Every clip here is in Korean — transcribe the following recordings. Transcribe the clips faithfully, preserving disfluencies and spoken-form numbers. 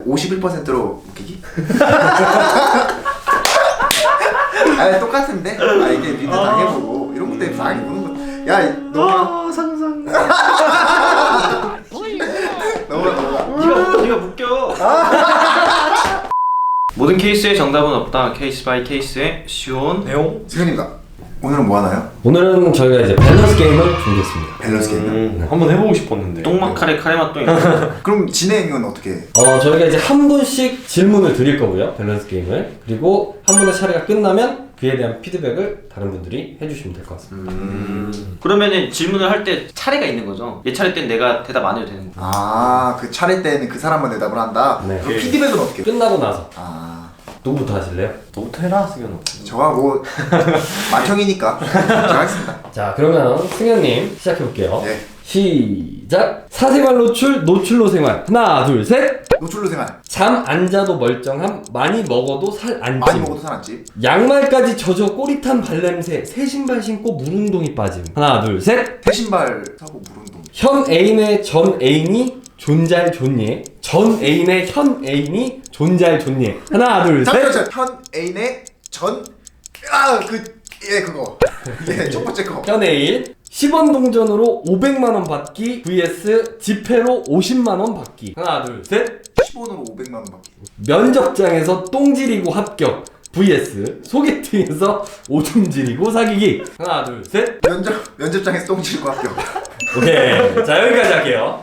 오십일 퍼센트로 웃기기? 아 똑같은데? 아 이게 니들 당해보고 이런 것 때문에 당해보는 거. 야 너가 아 상상. 너가 너가 네가 네가 묶여. 모든 케이스에 정답은 없다. 케이스 바이 케이스의 쉬운 내용. 승현입니다. 오늘은 뭐 하나요? 오늘은 저희가 이제 밸런스 게임을 준비했습니다. 밸런스 게임. 음, 한번 해보고 싶었는데. 똥막카레 카레맛도 있고. 그럼 진행은 어떻게 해? 어 저희가 이제 한 분씩 질문을 드릴 거고요. 밸런스 게임을. 그리고 한 분의 차례가 끝나면 그에 대한 피드백을 다른 분들이 해주시면 될 것 같습니다. 음. 그러면은 질문을 할 때 차례가 있는 거죠? 얘 차례 때는 내가 대답 안 해도 되는 거. 아그 차례 때는 그 사람만 대답을 한다? 네. 그럼 피드백은 어떻게 해? 끝나고 나서 아 누구부터 하실래요? 너부터 해라 승현아. 저가 뭐 맏형이니까 제가 하겠습니다. 자 그러면 승현님 시작해볼게요. 네. 시작! 사생활 노출, 노출로 생활. 하나 둘 셋! 노출로 생활. 잠 안 자도 멀쩡함, 많이 먹어도 살 안 찜. 많이 먹어도 살 안 찜. 양말까지 젖어 꼬릿한 발냄새, 새 신발 신고 물운동이 빠짐. 하나 둘 셋! 새 신발 사고 물운동. 현 애인의 전 애인이 존잘 존예. 전 애인의 현 애인이 존잘 존예. 하나 둘 잠깐만 셋! 현 애인의 전 아그 예 그거 예첫 번째 거. 현 애인 십 원 동전으로 오백만 원 받기 vs 지폐로 오십만 원 받기. 하나 둘 셋! 십 원으로 오백만 원 받기. 면접장에서 똥 지리고 합격 vs 소개팅에서 오줌 지리고 사귀기. 하나 둘 셋! 면접 면접장에서 똥 지르고 합격. 오케이. 자 여기까지 할게요.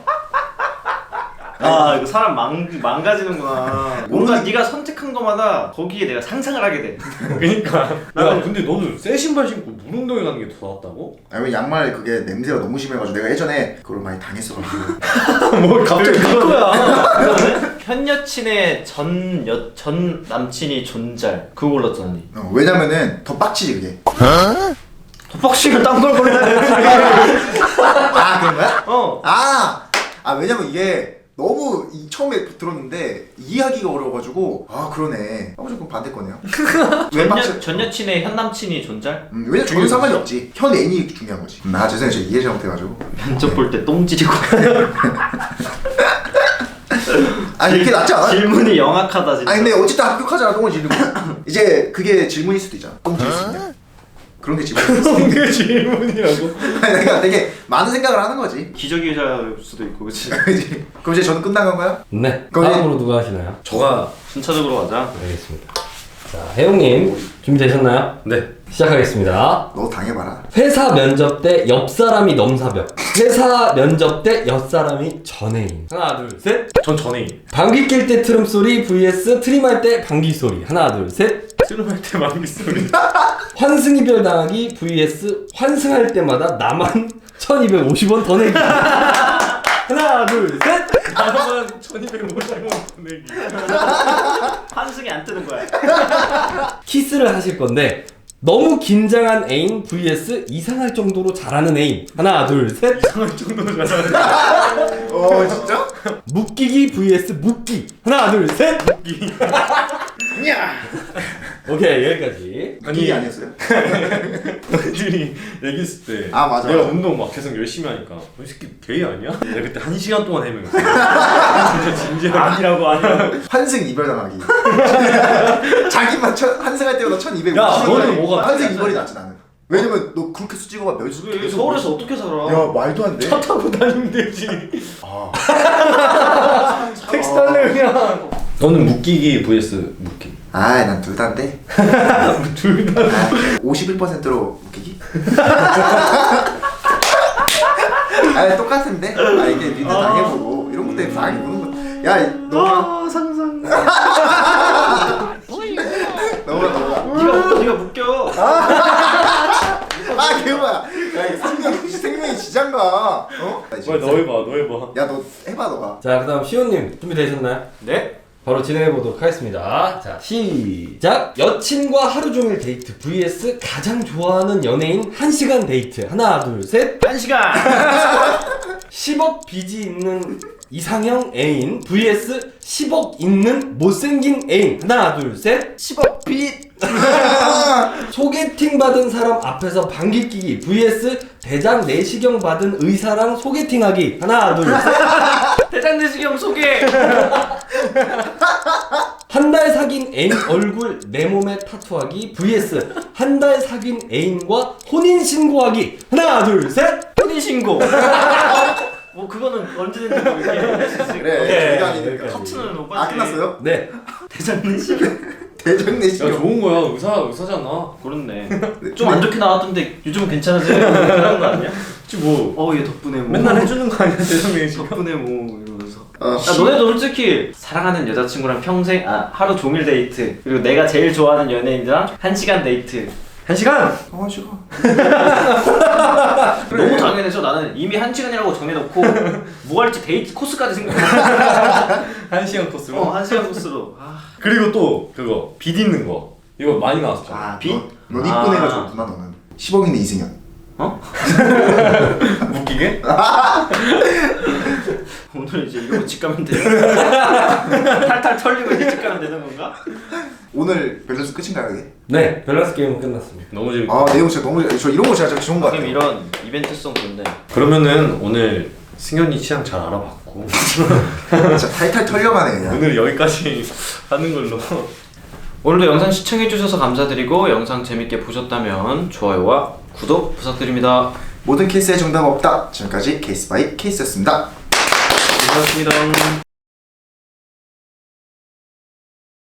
아 이거 사람 망, 망가지는구나. 뭔가 네가 선택한 거마다 거기에 내가 상상을 하게 돼. 그니까 야 근데 너는 새 신발 신고 물운동에 가는 게 더 낫다고? 아니 양말 그게 냄새가 너무 심해가지고 내가 예전에 그걸 많이 당했어가지고. 뭐 갑자기 그거야. 현 여친의 전, 여, 전 남친이 존잘 그거 골랐잖아 니. 어, 왜냐면은 더 빡치지 그게. 덕박씨가 딴걸 골라야 돼. 아 그런 거야? 어. 아, 아 왜냐면 이게 너무 이, 처음에 들었는데 이해하기가 어려워가지고 아 그러네. 아 조금 반대 거네요. 왜 전, 빡치? 여, 전 여친의 현 남친이 존잘? 음, 왜냐 저는 상관이 없지. 현 애인이 중요한 거지. 음, 아 죄송해요, 제가 이해 잘못해가지고. 면접 볼 때 똥 찌르고. 아 이렇게 낫지 않아? 질문이 영악하다 진짜. 아니 근데 어쨌든 합격하잖아. 똥을 지르고. 이제 그게 질문일 수도 있잖아. 똥 지를 수 있냐? 그런 게 질문일 수도 있냐? 그게 질문이라고? 아니 내가 되게 많은 생각을 하는 거지. 기저귀일 수도 있고 그치? 그지? 그럼 이제 저는 끝난 건가요? 네. 거기- 다음으로 누가 하시나요? 저가 순차적으로 가자. 알겠습니다. 자 혜용님 준비되셨나요? 네 시작하겠습니다. 너 당해봐라. 회사 면접 때 옆 사람이 넘사벽. 회사 면접 때 옆 사람이 전애인. 하나 둘 셋. 전 전에 방귀 낄 때 트름 소리 vs 트림할 때 방귀 소리. 하나 둘 셋. 트름할 때 만기 소리 환승 이별 당하기 vs 환승할 때마다 나만 천이백오십 원 더 내기. 하나 둘 셋. 나만 천이백오십 원 보내기 환승이 안 뜨는 거야. 키스를 하실 건데 너무 긴장한 애인 vs 이상할 정도로 잘하는 애인. 하나 둘 셋. 이상할 정도로 잘하는 어 진짜? 묶이기 vs 묶기. 하나 둘 셋. 묶기. 오케이 여기까지. 이게 아니었어요? 애들이 얘기했을 때 아, 맞아, 내가 맞아. 운동 막 계속 열심히 하니까 너 이 새끼 게이 아니야? 내가 그때 한 시간 동안 해명했어 진짜 진지하게 아니라고 아니라고. 환승 이별 당하기. 자기만 천, 환승할 때보다 천이백오십. 야, 너는 뭐가 환승 이별이 낫지 나는. 왜냐면 너 그렇게 수찍어가 몇 수? 그래, 서울에서 어떻게 살아? 야 말도 안 돼. 차 타고 다니면 되지 아. 택시 탈래 그냥 너는 묶이기 vs 묶기 아이 난 둘 다인데. 둘 다 아, 오십일 퍼센트로 웃기기? 아 똑같은데? 아 이게 니들 당해보고 이런 것 때문에 당해보는 거. 야 너가 아 상상 너가 너가. 네가 네가 묶여. 아 개우야. 야 이게 생명 생명이 지장가. 어? 왜 너 해봐 너 해봐 야 너 해봐 너가. 자 그다음 시온님 준비되셨나요? 네? 바로 진행해 보도록 하겠습니다. 자 시작. 여친과 하루 종일 데이트 vs 가장 좋아하는 연예인 한 시간 데이트. 하나 둘 셋. 한 시간. 십억 빚이 있는 이상형 애인 vs 십억 있는 못생긴 애인. 하나 둘 셋. 십억 빚. 소개팅 받은 사람 앞에서 방귀 끼기 vs 대장 내시경 받은 의사랑 소개팅하기. 하나 둘 셋. 대장내시경 소개. 한 달 사귄 애인 얼굴 내 몸에 타투하기 vs 한 달 사귄 애인과 혼인 신고하기. 하나 둘 셋. 혼인 신고. 뭐 그거는 언제든지 뭐 이렇게 할 수 있으니까. 그래 오케이, 저희가 아니니까. 여기까지. 커트는 못 아 봤지. 끝났어요? 네. 대장내시경. 대장내시경. 야 좋은 거야. 의사 의사잖아. 그렇네. 좀 안 좋게 나왔던데 요즘은 괜찮으세요? 그런 거 아니야? 혹시 뭐 어 얘 덕분에 뭐. 맨날 해주는 거 아니야 대성명이 지금? 덕분에 뭐 이러면서. 어, 야, 너네도 솔직히 사랑하는 여자친구랑 평생 아 하루 종일 데이트 그리고 내가 제일 좋아하는 연예인이랑 한 시간 데이트 한 시간. 아 싫어. 너무 당연해서 나는 이미 한 시간이라고 정해놓고 뭐 할지 데이트 코스까지 생각해. 한 시간 코스로. 어, 한 시간 코스로. 아, 그리고 또 그거 빗 있는 거. 이거 많이 나왔었잖아. 아 비? 넌 이쁜 아. 애가 좋구나 너는. 십억인데 이승현. 어? 웃기게? 오늘 이제 이러고 집 가면 돼. 탈탈 털리고 이제 집 가면 되는 건가? 오늘 밸런스 끝인가요 이게? 네. 밸런스 게임은 끝났습니다. 너무 재밌다. 아 내용 진짜 너무 저 이런 거 진짜 진짜 좋은 거 가끔 같아요. 이런 이벤트성 좋네. 그러면은 오늘 승현이 취향 잘 알아봤고 진짜 탈탈 털려가네 그냥. 오늘 여기까지 하는 걸로. 오늘도 영상 시청해주셔서 감사드리고 영상 재밌게 보셨다면 좋아요와 구독 부탁드립니다. 모든 케이스에 정답 없다. 지금까지 케이스 바이 케이스였습니다. 고맙습니다.